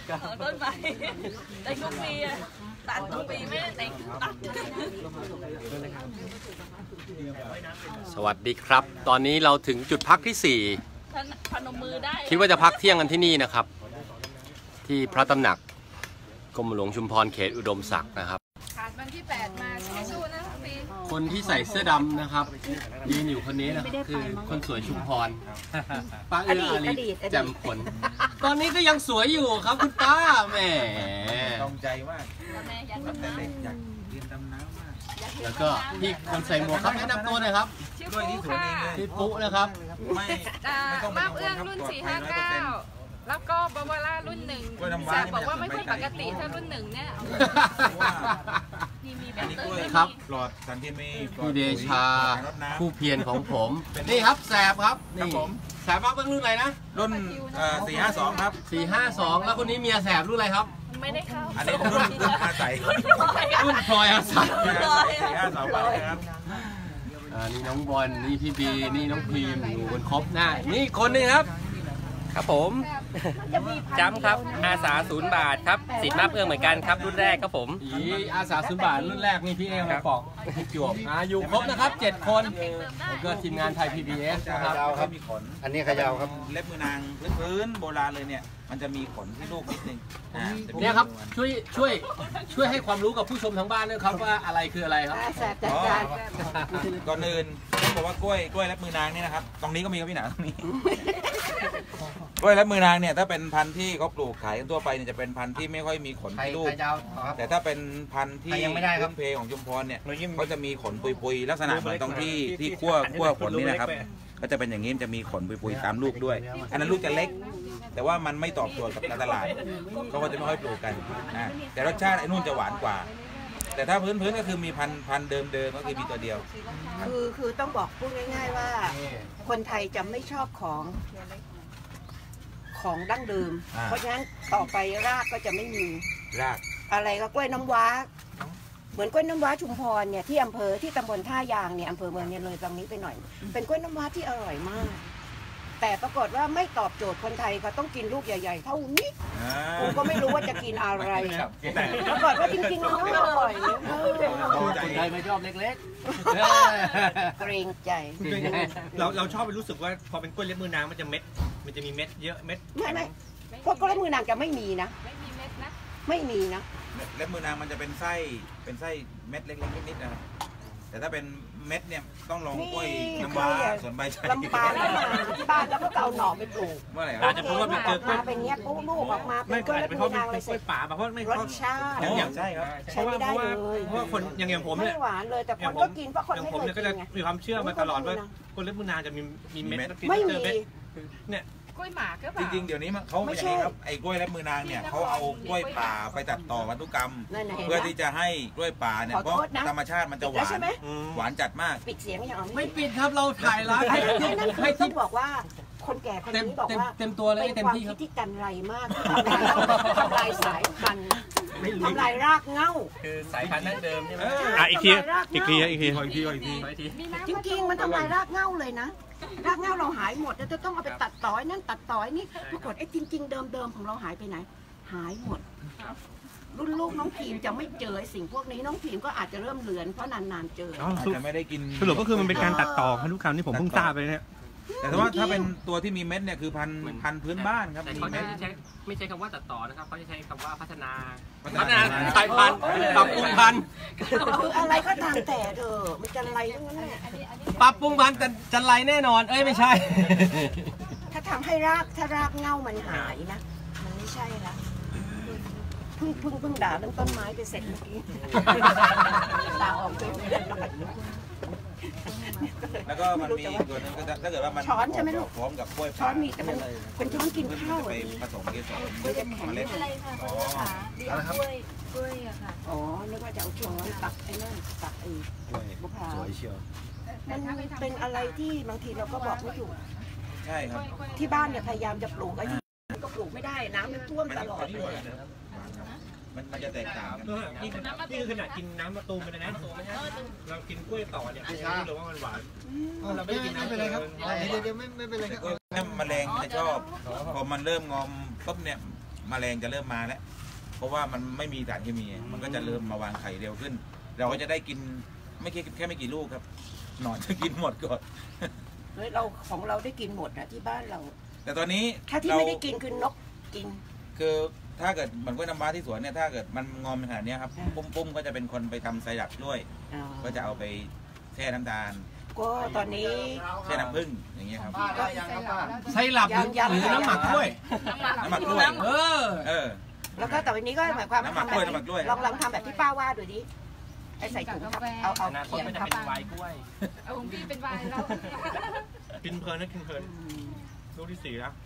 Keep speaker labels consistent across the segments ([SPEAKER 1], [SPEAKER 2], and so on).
[SPEAKER 1] ต้นไม้แต่ทุกปีตัดทุกปีไม่ได้แต่งตัด
[SPEAKER 2] สวัสดีครับตอนนี้เราถึงจุดพักที่4พนมมือได้คิดว่าจะพักเที่ยงกันที่นี่นะครับที่พระตำหนักกรมหลวงชุมพรเขตอุดมศักดิ์นะครับ
[SPEAKER 1] ขาดวันที่8มาสู้ๆนะปี
[SPEAKER 2] คนที่ใส่เสื้อดำนะครับยืนอยู่คนนี้นะครับคือคนสวยชุมพรป้าเอื้ออารีแจ่มขนตอนนี้ก็ยังสวยอยู่ครับคุณป้าแหม
[SPEAKER 3] ต้องใจมากแต่เด็กอยากเรียนดำน้ำมาก
[SPEAKER 2] แล้วก็พี่คนใส่หมวกครับแนะนำตัวหน่อยครับ
[SPEAKER 3] ด้วยที่สวนเองเลย
[SPEAKER 2] พี่ปุ๊นะครับ
[SPEAKER 1] ไม่ต้องมาเอื้องรุ่น459แล้วก็บาวาร่ารุ่น1แต่บอกว่าไม่ค่อยปกติถ้ารุ่น1เนี่ย
[SPEAKER 3] อันนี้กล้วยครับปลอดสารเคมี
[SPEAKER 2] พี่เดชาผู้เพียรของผมนี่ครับแสบครับนี่แสบมากเป็นรุ่นอะไรนะ
[SPEAKER 3] รุ่น452ครับ
[SPEAKER 2] 452แล้วคนนี้เมียแสบรุ่นอะไรครับ
[SPEAKER 1] ไม่ได้เข้า
[SPEAKER 3] อันนี้รุ่นอาศัย
[SPEAKER 2] รุ่นพลอยอาศัย
[SPEAKER 3] 452ไปครับ
[SPEAKER 2] นี่น้องบอลนี่พี่บีนี่น้องพีมอยู่บนครบหน้านี่คนนึงครับ
[SPEAKER 4] ครับผมจำครับอาสา0 บาทครับสิทธิ์มาเพื่อเหมือนกันครับรุ่นแรกครับผม
[SPEAKER 2] อาสา0 บาทรุ่นแรกนี่พี่เองมาปอกพี่จวบอยู่ครบนะครับ7 คนแล้วก็ทีมงานไทย PBS นะครับ
[SPEAKER 3] มีขน
[SPEAKER 2] อันนี้ขยาวครับ
[SPEAKER 3] เล็บมือนางพื้นโบราณเลยเนี่ยมันจะมีขนที่ลูกนิดนึง
[SPEAKER 2] เนี่ยครับช่วยให้ความรู้กับผู้ชมทางบ้านด้วยครับว่าอะไรคืออะไรครับ
[SPEAKER 3] ก่อนอื่นต้องบอกว่ากล้วยเล็บมือนางนี่นะครับตรงนี้ก็มีครับพี่หนาตรงนี้กล้วยเล็บมือนางเนี่ยถ้าเป็นพันธุ์ที่เขาปลูกขายกันทั่วไปเนี่ยจะเป็นพันธุ์ที่ไม่ค่อยมีขนที่ลูกแต่ถ้าเป็นพันธุ์ที่พื้นเพของชุมพรเนี่ยเขาจะมีขนปุยๆลักษณะเหมือนตรงที่ขั้วขนนี่นะครับก็จะเป็นอย่างนี้จะมีขนปุยๆตามลูกด้วยอันนั้นลูกจะเล็กแต่ว่ามันไม่ตอบโจทย์กับการตลาดเขาก็จะไม่ค่อยปลูกกันนะแต่รสชาติไอ้นู่นจะหวานกว่าแต่ถ้าพื้นก็คือมีพันเดิมก็คือมีตัวเดียว
[SPEAKER 5] คือต้องบอกพูดง่ายๆว่าคนไทยจะไม่ชอบของดั้งเดิมเพราะฉะนั้นต่อไปรากก็จะไม่มี
[SPEAKER 3] ราก
[SPEAKER 5] อะไรก็กล้วยน้ำว้าเหมือนกล้วยน้ำว้าชุมพรเนี่ยที่อำเภอที่ตำบลท่ายางเนี่ยอำเภอเมืองเนี่ยเลยตรงนี้ไปหน่อยเป็นกล้วยน้ำว้าที่อร่อยมากแต่ปรากฏว่าไม่ตอบโจทย์คนไทยเขาต้องกินลูกใหญ่ๆเท่านี้ผมก็ไม่รู้ว่าจะกินอะไรปรากฏว่าจริงๆแล้วอร่อย
[SPEAKER 2] คนไทยไม่ชอบเล็ก
[SPEAKER 5] ๆเกรงใจ
[SPEAKER 4] เราชอบไปรู้สึกว่าพอเป็นกล้วยเล็บมือนางมันจะมีเม็ดเยอะเม็ด
[SPEAKER 5] ไม่พวกกล้วยเล็บมือนางจะไม่มีนะ
[SPEAKER 1] ไม่มีเม็ดนะ
[SPEAKER 5] ไม่มีนะ
[SPEAKER 3] เล็บมือนางมันจะเป็นไส้เม็ดเล็กๆนิดๆนะครับแต่ถ้าเป็นเม็ดเนี่ยต้องลองกล้วยน้ำว้าส่วนใบชา
[SPEAKER 5] ลำปางที่บ้านแล้วก็เอาหน่อไปปลูก
[SPEAKER 3] เมื่อไหร่
[SPEAKER 4] อาจจะเพราะว่ามันเจอกล้วย
[SPEAKER 5] เป็นเงี้ยปุ๊บลูกออกมาเป็นกล้วยเล็บมือนางเลย
[SPEAKER 4] กล้วยป่าเพราะไม่
[SPEAKER 5] รสชาติ
[SPEAKER 3] ใช่ครับ
[SPEAKER 5] ใช้ไม่ได้เลย
[SPEAKER 4] เพราะว่าคนอย่างผมเนี่ย
[SPEAKER 5] ไม่หวานเลยแต่คนก็กินเพราะคนไม่เคยกินไง
[SPEAKER 4] มีความเชื่อมาตลอดว่ากล้วยเล็บมือนางจะมีเม็ด
[SPEAKER 5] ไม่มี
[SPEAKER 4] เนี่ย
[SPEAKER 1] กล้วยหมากก็
[SPEAKER 3] จริงๆเดี๋ยวนี้เขาไม่ใช่ครับไอ้กล้วยเล็บมือนางเนี่ยเขาเอากล้วยป่าไปตัดต่อพันธุกรรมเพื่อที่จะให้กล้วยป่าเนี่ยเพราะธรรมชาติมันจะหวานจัดมาก
[SPEAKER 5] ปิดเสียงอย่าง
[SPEAKER 2] ไม่ปิดครับเราถ่ายแล้ว
[SPEAKER 5] ให้ที่บอกว่าคนแก่คนนี้บอกว่า
[SPEAKER 2] เต็มตัวเลยเต็มที่ครับ
[SPEAKER 5] ที่กันไรมากทำลายสายพันธุ์ทำลายรากเง้า
[SPEAKER 4] คือสายพันธุ์นั่นเดิมใช่ไหม
[SPEAKER 2] อีกที
[SPEAKER 5] จริงๆมันทำลายรากเง้าเลยนะรากเง้าเราหายหมดแล้วจะต้องเอาไปตัดต่อยนั่นตัดต่อยนี่ปรากฏไอ้จริงๆเดิมของเราหายไปไหนหายหมดรุ่นลูกน้องพีมจะไม่เจอสิ่งพวกนี้น้องพีมก็อาจจะเริ่มเลือนเพราะนานๆเจอ
[SPEAKER 3] จะไม่ได้กิน
[SPEAKER 4] สรุปก็คือมันเป็นการตัดต่อพันธุกรรมที่ผมเพิ่งทราบไปเนี่ย
[SPEAKER 3] แต่ว่าถ้าเป็นตัวที่มีเม็ดเนี่ยคือพันธุ์พื้นบ้านครับ
[SPEAKER 4] เขาจะไม่ใช้คำว่าตัดต่อนะครับเขาจะใช้คำว่าพัฒนา
[SPEAKER 2] สายพันธุ์ปรับปรุงพันธุ์
[SPEAKER 5] คืออะไรก็ตามแต่เถอะมันจะไรทั้งนั้นแหละ
[SPEAKER 2] ปรับปรุงพันธุ์แต่จะไรแน่นอนไม่ใช่
[SPEAKER 5] ถ้าทำให้รากเง่ามันหายนะมันไม่ใช่ละเพิ่งด่าเรื่องต้นไม้ไปเสร็จเมื่อกี้ด่าออกไป
[SPEAKER 3] แล้วก็มันมีตัวนึงถ้าเกิดว่ามัน
[SPEAKER 5] ช้อนใช่ไหมลูก
[SPEAKER 3] พร้อมกับกล้วย
[SPEAKER 5] ช้อนมีแต่มันเป็นช้อนกินข้าว
[SPEAKER 3] ไปผสมเกสร
[SPEAKER 1] เล็กอะไรค่ะกล้วยอะค่ะ
[SPEAKER 5] อ๋อนึกว่าจะเอาช้อนตักไอ้นั่นตักไอ้บุพา
[SPEAKER 2] สวยเชียว
[SPEAKER 5] มันเป็นอะไรที่บางทีเราก็บอกไม่ถูก
[SPEAKER 3] ใช่ครับ
[SPEAKER 5] ที่บ้านเนี่ยพยายามจะปลูกไอ้ที่ก็ปลูกไม่ได้น้ำมันท่วมตลอดเลย
[SPEAKER 3] มันจะแตกต่างกัน
[SPEAKER 4] นี่คือขนาดกินน้ำมะตูมไปเลยนะเรากินกล้วยต่อเนี่ยไม่รู้เลยว่ามันหวานเราไม่กินน้ำไปเลยครับเดี๋ยวไม่เป็นไรครับ
[SPEAKER 3] แมลงจะชอบพอมันเริ่มงอมปุ๊บเนี่ยแมลงจะเริ่มมาแล้วเพราะว่ามันไม่มีสารเคมีมันก็จะเริ่มมาวางไข่เร็วขึ้น เราก็จะได้กินแค่ไม่กี่ลูกครับหนอนจะกินหมดก่อน
[SPEAKER 5] เฮ้ยเราของเราได้กินหมดนะที่บ้านเรา
[SPEAKER 3] แต่ตอนนี้
[SPEAKER 5] ถ้าที่ไม่ได้กินคือนกกิน
[SPEAKER 3] คือถ้าเกิดเหมือนกล้วยน้ำว้าที่สวนเนี่ยถ้าเกิดมันงอมขนาดนี้ครับปุ้มก็จะเป็นคนไปทำไซรัปด้วยก็จะเอาไปแช่น้ำตาล
[SPEAKER 5] ก็ตอนนี้
[SPEAKER 3] แช่น้ำผึ้งอย่างเงี้ยครับ
[SPEAKER 2] ไซรัปหรือน้ำหมักกล้วย
[SPEAKER 3] น้ำหมักกล้วย
[SPEAKER 5] แล้วก็แต่วันนี้ก็หมายความว่าทำแบบลองทำแบบที่ป้าว่าดูดิไอ้ใส่ถุงเอาเขียน
[SPEAKER 4] ครับเป็นไวน์กล้วย
[SPEAKER 1] เอาของพี่เป็นไวน์แล้ว
[SPEAKER 4] กินเพลินนะกินเพลินลูกที่4แล้ว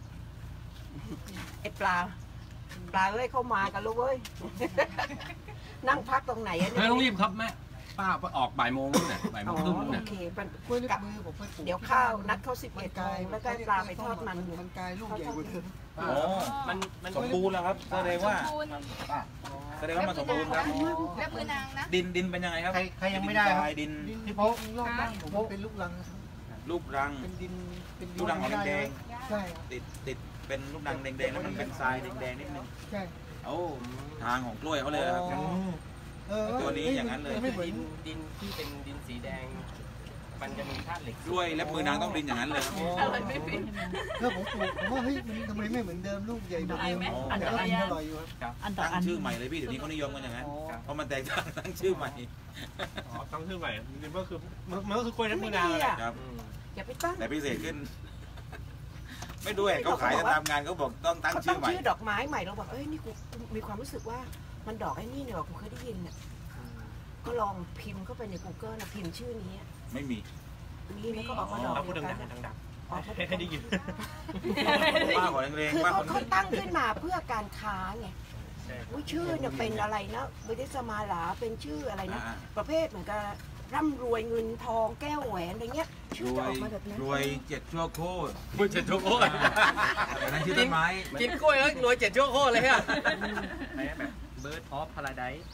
[SPEAKER 5] ไอ้ปลาเอ้ยเข้ามากันลูกเว้ยนั่งพักตรงไหนอ่ะ
[SPEAKER 2] ไม่ต้องรีบครับแม่ป้าไปออกบ่ายโมงนี่บ่ายโมงครึ่ง
[SPEAKER 5] โอเคกับเดี๋ยวข้าวนัดเขา11 โมงแล้วก็ปลาไปทอดมันอยู่
[SPEAKER 6] มันกลายลูกใหญ่กว่าเดิม
[SPEAKER 3] มันสมบูรณ์แล้วครับแสดงว่ามันสมบูรณ์ครับ
[SPEAKER 1] และมือนางนะ
[SPEAKER 3] ดินเป็นยังไงครับ
[SPEAKER 6] ใครยังไม่ได้ครับ
[SPEAKER 3] ดิน
[SPEAKER 6] พี่โป๊กผมเป็นลูกรังเป็นดิน
[SPEAKER 3] ลูกรังของแดง
[SPEAKER 6] ใช่
[SPEAKER 3] ติดเป็นลูกรังแดงๆแล้วมันเป็นทรายแดงๆนิดนึง
[SPEAKER 6] ใช่
[SPEAKER 3] โอ้ทางของกล้วยเขาเลยครับตัวนี้อย่างนั้นเลย
[SPEAKER 4] ดินที่เป็นดินสีแดงมันจะมีธาตุเหล็ก
[SPEAKER 3] กล้วยและมือนางต้องดินอย่างนั้นเลยครับ
[SPEAKER 6] ก็ผมว่าเฮ้ยมันทำไมไม่เหมือนเดิมลูกใหญ่กว่าเดิมแต่ก็กินอร่อยอยู่
[SPEAKER 3] ครับตั้งชื่อใหม่เลยพี่เดี๋ยวนี้เขานิยมกันอย่างนั้นเพราะมันแตกต่างตั้งชื่อใหม่
[SPEAKER 4] ตั้งชื่อใหม่มันก็คือกล้วยและมือนาง
[SPEAKER 3] ครับ
[SPEAKER 5] อย่าไปตั้ง
[SPEAKER 3] แต่พิเศษขึ้นไม่ด้วยเขาขายตามงานเขาบอกต้องตั้งชื่อใหม่
[SPEAKER 5] ชื่อดอกไม้ใหม่เราบอกเอ้ยนี่กูมีความรู้สึกว่ามันดอกไอ้นี่เนี่ยกูเคยได้ยินน่ะก็ลองพิมพ์เข้าไปใน Google นะพิมพ์ชื่อนี้
[SPEAKER 3] ไม่มี
[SPEAKER 5] แล้วก็ออกมาดอก
[SPEAKER 4] พูดดังให้ได้ยิน
[SPEAKER 3] ป้าขอแรง
[SPEAKER 5] ๆคือเขาตั้งขึ้นมาเพื่อการค้าไงชื่อเนี่ยเป็นอะไรนะวิทยามาลาเป็นชื่ออะไรนะประเภทเหมือนกับร่ำรวยเงินทองแก้วแหวนอะไรเงี้ยชื่อจะออกมาแบบนั้น
[SPEAKER 3] รวย7 ชั่วโคตร
[SPEAKER 2] 7 ชั่วโคตร
[SPEAKER 3] นั่นชื่อต้นไม้
[SPEAKER 2] กินกล้วยแล้วรวย7 ชั่วโคตรเลยฮะ
[SPEAKER 4] แบบเบิร์ดออฟพาราไดซ์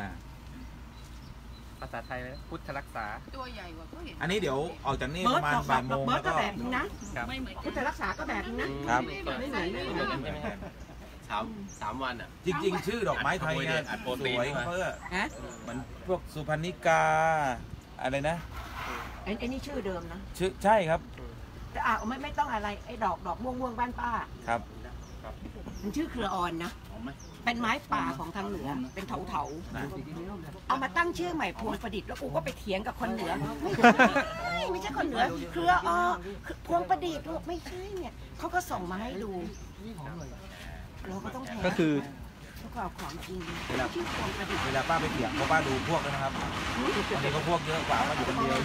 [SPEAKER 4] ภาษาไทยเลยพุทธรักษา
[SPEAKER 1] ตัวใหญ่กว่าก็เห็น
[SPEAKER 3] อันนี้เดี๋ยวออกจากนี่ประมาณบ่ายโมง
[SPEAKER 5] แล้วก็แบบนี้นะ
[SPEAKER 1] ไม่เหมือน
[SPEAKER 5] พุทธรักษาก็แบบนี้
[SPEAKER 3] นะครับ
[SPEAKER 5] ไม่เหมือน
[SPEAKER 2] 3 วันอ่ะ
[SPEAKER 3] จริงๆชื่อดอกไม้ไทยเนี่ยสวยเพื่อมันพวกสุพรรณิกาอะไรนะ
[SPEAKER 5] ไอ้นี่ชื่อเดิมนะ
[SPEAKER 3] ชื่อใช่ครับ
[SPEAKER 5] แต่ไม่ต้องอะไรไอ้ดอกม่วงบ้านป้า
[SPEAKER 3] ครับ
[SPEAKER 5] มันชื่อเครืออ่อนนะเป็นไม้ป่าของทางเหนือเป็นเถาเอามาตั้งชื่อใหม่พวงประดิษฐ์แล้วกูก็ไปเถียงกับคนเหนือไม่ใช่คนเหนือเครือพวงประดิษฐ์ไม่ใช่เนี่ยเขาก็ส่งมาให้ดูเราก็ต้องแทน
[SPEAKER 3] ก็คือ
[SPEAKER 5] ของจริง
[SPEAKER 3] เวลาป้าไปเถียงเพราะป้าดูพวกแล้วนะครับวันนี้ก็พวกเยอะกว่ามาอยู่คนเดียว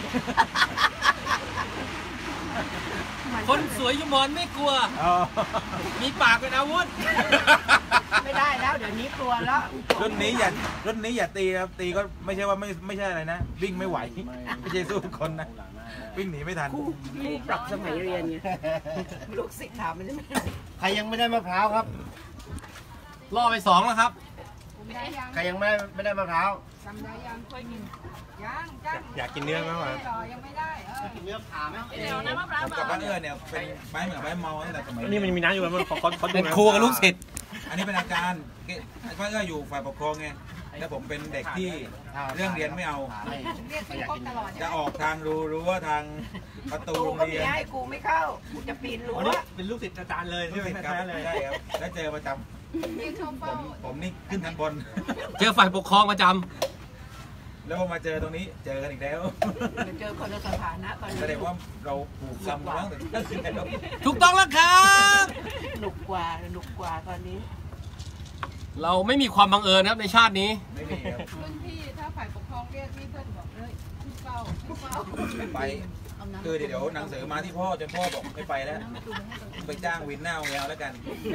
[SPEAKER 2] คนสวยยุมอนไม่กลัวมีปากเป็นอาวุธ
[SPEAKER 5] ไม่ได้แล้วเดี๋ยวนี้กลัวแล้ว
[SPEAKER 3] รุ่นนี้อย่าตีครับตีก็ไม่ใช่ว่าไม่ใช่อะไรนะวิ่งไม่ไหวไม่ใช่สู้คนนะวิ่งหนีไม่ทัน
[SPEAKER 5] ปรับสมัยเรียนไงลูกศิษย์ถามมันใช่ไหม
[SPEAKER 6] ใครยังไม่ได้มะพร้าวครับ
[SPEAKER 2] ล่อไป2แล้วครับ
[SPEAKER 6] ใครยังไม่ได้มะพร้าว
[SPEAKER 1] จำได้ยังเคยกิน
[SPEAKER 4] อยากกินเนื้อมากกว่า
[SPEAKER 1] ยังไม่ได้
[SPEAKER 6] กินเนื้อผ่าไหม
[SPEAKER 1] เดี๋ยวนะมะพร้าว
[SPEAKER 3] กับบ้านเนี่ยเป็นไม้เหมือนไม้เมาตั้งแต่สมัย
[SPEAKER 4] นี่มันมีน้ำอยู่มันเขา
[SPEAKER 3] เป็นครูกับลูกศิษย์อันนี้เป็นอาจารย์บ้านอยู่ฝ่ายปกครองไงแล้วผมเป็นเด็กที่เรื่องเรียนไม่เอาจะออกทางรู้ว่าทางประตูโรงเรียน
[SPEAKER 5] ให้กูไม่เข้ากูจะปีนรั้ว
[SPEAKER 4] เป็นลูกศิษย์อาจารย์เลย
[SPEAKER 3] ลูกศิษย์ครับใช่ครับแล้วเจอประจำผมนี่ขึ้นทันบน
[SPEAKER 2] เจอฝ่ายปกครองประจ
[SPEAKER 3] ำแล้วพอมาเจอตรงนี้เจอกันอีกแล้ว
[SPEAKER 5] เจอคนในสถานะตอนนี้
[SPEAKER 3] แสดงว่าเราผูกซ้ำกันตั้งแต่ตั้งแต่
[SPEAKER 2] ถูกต้องแล้วครับ
[SPEAKER 5] หนุกกว่าตอนนี้
[SPEAKER 2] เราไม่มีความบังเอิญครับในชาตินี้
[SPEAKER 3] ไม่มีครับ
[SPEAKER 1] รุ่นพี่ถ้าฝ่ายปกครองเรียกนี่เพื่อนบอกเลยเฝ้า
[SPEAKER 3] ไปคือเดี๋ยวหนังสือมาที่พ่อจนพ่อบอกไม่ไปแล้วไปจ้างวินหน้าแมวแล้วกัน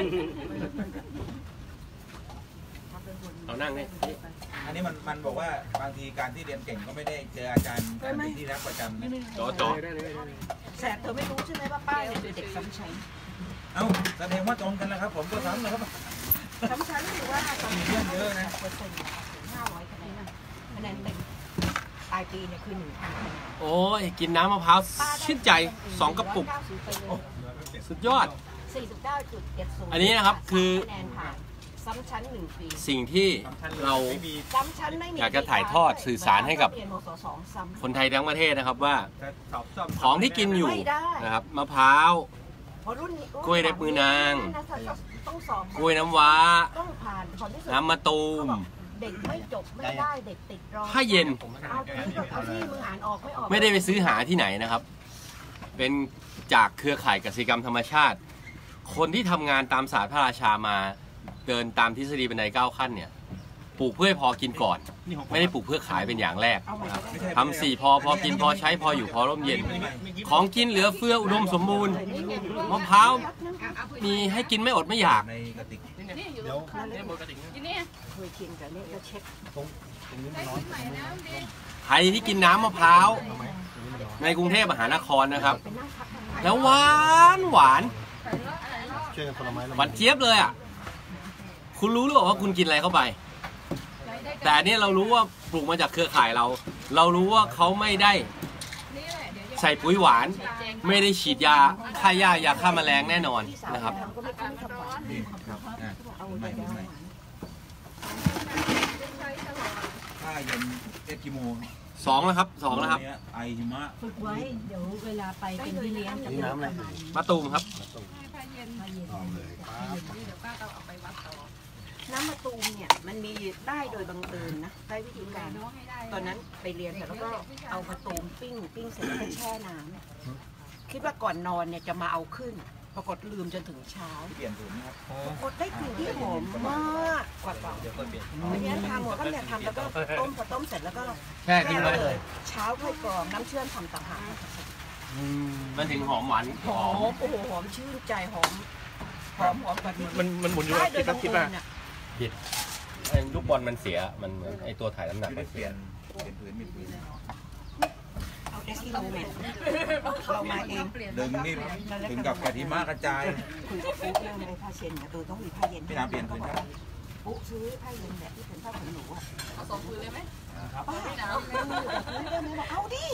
[SPEAKER 2] เอานั่งเลย
[SPEAKER 3] อันนี้มันบอกว่าบางทีการที่เรียนเก่งก็ไม่ได้เจออาจารย์ที่รักประจำ
[SPEAKER 2] จ่อ
[SPEAKER 5] แสบเธอไม่รู้ใช่ไหมว่าป้าเนี่ยเป็นเด็กซ้ำชั้น
[SPEAKER 3] เอ้าแสดงว่าตรงกันแล้วครับผมก็ซ้ำเลยครับ
[SPEAKER 5] ซ้ำชั้นหรือว่า
[SPEAKER 3] มีเรื่องเยอะนะ
[SPEAKER 5] 500คะแนนเต็มปลายปีเนี่ยคือ1,000
[SPEAKER 2] โอ้ยกินน้ำมะพร้าวชื่นใจ2 กระปุกสุดยอด
[SPEAKER 5] แส 49.70
[SPEAKER 2] อันนี้นะครับคือ
[SPEAKER 5] คะแนนผ่านซ้ำชั้น1 ปี
[SPEAKER 2] สิ่งที่เรา
[SPEAKER 5] ซ้ำชั้นไม่มี
[SPEAKER 2] อยากจะถ่ายทอดสื่อสารให้กับ
[SPEAKER 5] เรียนมศ2ซ้ำ
[SPEAKER 2] คนไทยทั้งประเทศนะครับว่า
[SPEAKER 4] สอบซ่อม
[SPEAKER 2] ของที่กินอยู่
[SPEAKER 5] ไม่ได้
[SPEAKER 2] นะครับมะพร้าว
[SPEAKER 5] เพราะรุ่นนี้
[SPEAKER 2] กล้วยเล็บมือนาง
[SPEAKER 5] ต้องสอบ
[SPEAKER 2] กล้วยน้ำว้า
[SPEAKER 5] ต้องผ่านผลที่สุด
[SPEAKER 2] น้ำมะตูม
[SPEAKER 5] เด็กไม่จบไม่ได้เด็กติดรอ
[SPEAKER 2] ผ้าเย็น
[SPEAKER 5] เอาที่มึงอ่านออกไม่ออก
[SPEAKER 2] ไม่ได้ไปซื้อหาที่ไหนนะครับ เป็นจากเครือข่ายกสิกรรมธรรมชาติ คนที่ทำงานตามศาสตร์พระราชามาเดินตามทฤษฎีบันได9 ขั้นเนี่ยปลูกเพื่อให้พอกินก่อน ไม่ได้ปลูกเพื่อขายเป็นอย่างแรกนะครับทำ4 พอกินพอใช้พออยู่พอร่มเย็น ของกินเหลือเฟืออุดมสมบูรณ์มะพร้าวมีให้กินไม่อดไม่อยาก
[SPEAKER 3] ในกระติก
[SPEAKER 1] นี่อยู่ที่นี่
[SPEAKER 5] เคยกินแต่เนี่ยจะเช็ค
[SPEAKER 1] ใช้ชุดใหม่นะดี
[SPEAKER 2] ใครที่กินน้ำมะพร้าวในกรุงเทพมหานครนะครับ
[SPEAKER 5] ไปนั่งพักทำไม
[SPEAKER 2] แล้วหวาน
[SPEAKER 6] ช่วยกันคนละไม้ละ
[SPEAKER 2] หวานเจี๊ยบเลยอ่ะคุณรู้หรือเปล่าว่าคุณกินอะไรเข้าไป แต่อันนี่เรารู้ว่าปลูกมาจากเครือข่ายเรา เรารู้ว่าเขาไม่ได้
[SPEAKER 1] นี่แหละเดี๋ยว
[SPEAKER 2] ใส่ปุ๋ยหวาน ไม่ได้ฉีดยาฆ่าหญ้ายาฆ่าแมลงแน่นอนนะครับ
[SPEAKER 5] ก็ไม่ค่อยทำหวาน
[SPEAKER 3] นี่ครับเอาใหม่ใหม่ผ้าเย็นเอสกิโม
[SPEAKER 2] 2 แล้วครับ2แล้วครับ
[SPEAKER 3] ไอหิมะ
[SPEAKER 7] ฝึกไว้ เดี๋ยวเวลาไปเป็นพี่เลี้ยงจะ
[SPEAKER 6] นี่น้ำอะไร
[SPEAKER 2] มะตูมครับ
[SPEAKER 1] ผ้าเย็น
[SPEAKER 6] เอาเลยปั๊บ
[SPEAKER 1] เดี๋ยวป้าเอาไปวัดต่อ
[SPEAKER 5] น้ำมะตูมเนี่ยมันมีได้โดยบังเอิญนะได้วิธีการ
[SPEAKER 1] น้องให้ได้
[SPEAKER 5] ตอนนั้นไปเรียนเสร็จแล้วก็เอามะตูมปิ้งเสร็จแล้วก็แช่น้ำคิดว่าก่อนนอนเนี่ยจะมาเอาขึ้น ปรากฏลืมจนถึงเช้า
[SPEAKER 3] เปลี่ยนถุงนะครับ
[SPEAKER 5] ปรากฏได้กลิ่นที่หอมมากกว่าเก่าเพราะฉะนั้นทำหมดก็เนี่ยทำแล้วก็ต้มพอต้มเสร็จแล้วก็
[SPEAKER 2] แช่ทิ้งไว้
[SPEAKER 5] เลยเช้าค่อยกรองน้ำเชื่อมทำต่างหาก
[SPEAKER 2] มันถึงหอมหวาน
[SPEAKER 5] หอมโอ้โหหอมชื่นใจหอมกว่าที่
[SPEAKER 4] มันหมุนอยู่
[SPEAKER 5] ได้
[SPEAKER 4] กับ
[SPEAKER 5] โดย
[SPEAKER 4] คิ
[SPEAKER 5] บั
[SPEAKER 4] ด
[SPEAKER 5] ง
[SPEAKER 4] คิด
[SPEAKER 5] เอิ
[SPEAKER 4] ว่า
[SPEAKER 5] ญอ่ะ
[SPEAKER 2] ไอ้ลูกบอลมันเสียมันเหมือนไอ้ตัวถ่ายน้ำหนัก
[SPEAKER 3] ไม่
[SPEAKER 2] มั
[SPEAKER 3] ได้
[SPEAKER 2] น
[SPEAKER 3] เป
[SPEAKER 2] เสี
[SPEAKER 3] ลี่
[SPEAKER 2] ย
[SPEAKER 3] ยนผืนมีผืน
[SPEAKER 5] เอาเอสกิโลเมตรเรามาเอง
[SPEAKER 3] ดึงนี่ถึงกับกะทิมากระจาย
[SPEAKER 5] คุยกับปุ๊เรื่องเลยผ้าเช็ดเนี่ยต้องมีผ้าเย็น
[SPEAKER 3] พี่น้ำเปลี่ยนผืนครับ
[SPEAKER 5] ปุ๊ซื้อผ้าเย็นแบบที่เป็นผ้าขนหนูอ่ะ
[SPEAKER 1] เอาสองคืนเลยไหม
[SPEAKER 5] ป้าหนาวเลยเอาดิ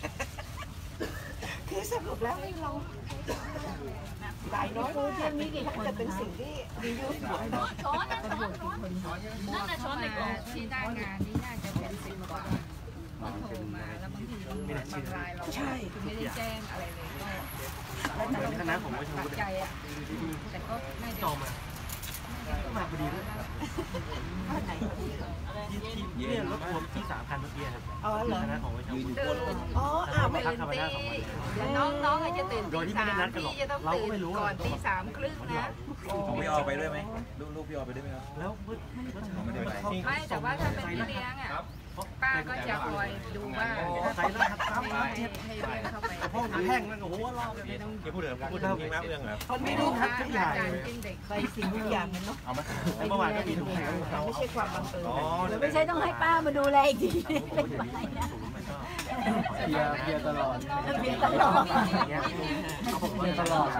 [SPEAKER 5] คือสรุปแล้วให้เราหลายน้อยเลยที่นี่จะเป็นสิ่งที่ดีอยู่
[SPEAKER 1] ช้อนนะช้อนนั่นน่ะช้อนในกล่องที่ได้งานนี่น่าจะเป็น10 กว่าเขาโทรมาแล้วบางทีบางรายเราไม่ได้แจ้งอะไรเลยก็แล้วแต่เราตัดใจอ่ะแต่ก็น่าจะ
[SPEAKER 6] มาพอดีเลย
[SPEAKER 5] ผ้าไหน
[SPEAKER 6] เนี่ยรถรวมที่3 คันเมื่อกี้ครับ
[SPEAKER 5] อ๋อเหรอ
[SPEAKER 6] คณะของวิชา
[SPEAKER 3] ยืนอยู่
[SPEAKER 1] ตื่
[SPEAKER 3] บน
[SPEAKER 1] น
[SPEAKER 5] อ๋ออ้าวไม่
[SPEAKER 1] ตื่นตีน้องอาจจะตื่นตี 3พี่จะต้องตื่นก่อนตี 3 ครึ่งนะ
[SPEAKER 3] ของพี่ออไปด้วยไหมลูกพี่ออไปด้วยไหมครับ
[SPEAKER 6] แล้ว
[SPEAKER 3] ไม่ได้ไป
[SPEAKER 1] ไม่แต่ว่าถ้าเป็นพี่เลี้ยงอ่ะป้าก็จะคอยดูว่า
[SPEAKER 6] ใส่รหัสซ้ำ
[SPEAKER 1] ให้เลี้ยงเข้าไป
[SPEAKER 6] ห้องแห้งมันโอ้โหรอบ
[SPEAKER 4] เดี๋ยวพูดเรื่องพูดเรื่องแม่เรื่องเหรอ
[SPEAKER 5] คนไม่รู้ครับทุกอย่างใส่สิ่งทุกอย่างเนาะ
[SPEAKER 3] เอาไหม
[SPEAKER 6] เมื่อวานก็มีถุงแห้ง
[SPEAKER 5] ไม่ใช่ความบังเอิญ
[SPEAKER 7] ไม่ใช่ต้องให้ป้ามาดูแลอีกทีเป็นไปนะ
[SPEAKER 6] เพียตลอด
[SPEAKER 7] เพียงตลอด
[SPEAKER 6] เพียตลอด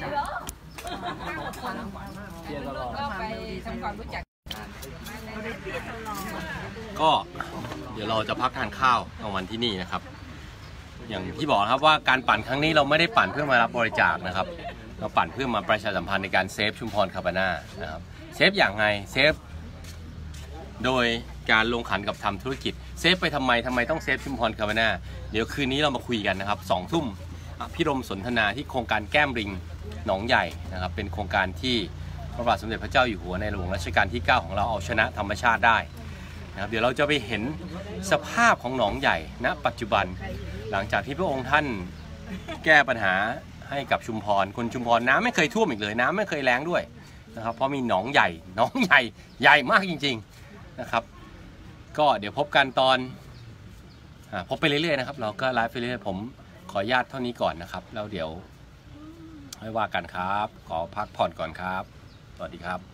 [SPEAKER 1] ก็ไปทำความรู้จัก
[SPEAKER 2] ก็เดี๋ยวเราจะพักทานข้าวกลางวันที่นี่นะครับ อย่างที่บอกนะครับว่าการปั่นครั้งนี้เราไม่ได้ปั่นเพื่อมารับบริจาคนะครับ เราปั่นเพื่อมาประชาสัมพันธ์ในการเซฟชุมพรคาบาน่านะครับเซฟอย่างไรเซฟโดยการลงขันกับทำธุรกิจเซฟไปทำไมต้องเซฟชุมพรคาบาน่าเดี๋ยวคืนนี้เรามาคุยกันนะครับ2 ทุ่มพิรมสนทนาที่โครงการแก้มริงหนองใหญ่นะครับเป็นโครงการที่พระบาทสมเด็จพระเจ้าอยู่หัวในหลวงรัชกาลที่ 9 ของเราเอาชนะธรรมชาติได้นะครับเดี๋ยวเราจะไปเห็นสภาพของหนองใหญ่ณปัจจุบันหลังจากที่พระองค์ท่านแก้ปัญหาให้กับชุมพรคนชุมพรน้ำไม่เคยท่วมอีกเลยน้ำไม่เคยแล้งด้วยนะครับเพราะมีหนองใหญ่ใหญ่มากจริงๆนะครับก็เดี๋ยวพบกันตอนพบไปเรื่อยๆนะครับเราก็ไลฟ์ไปเรื่อยๆผมขออนุญาตเท่านี้ก่อนนะครับแล้วเดี๋ยวให้ว่ากันครับขอพักผ่อนก่อนครับสวัสดีครับ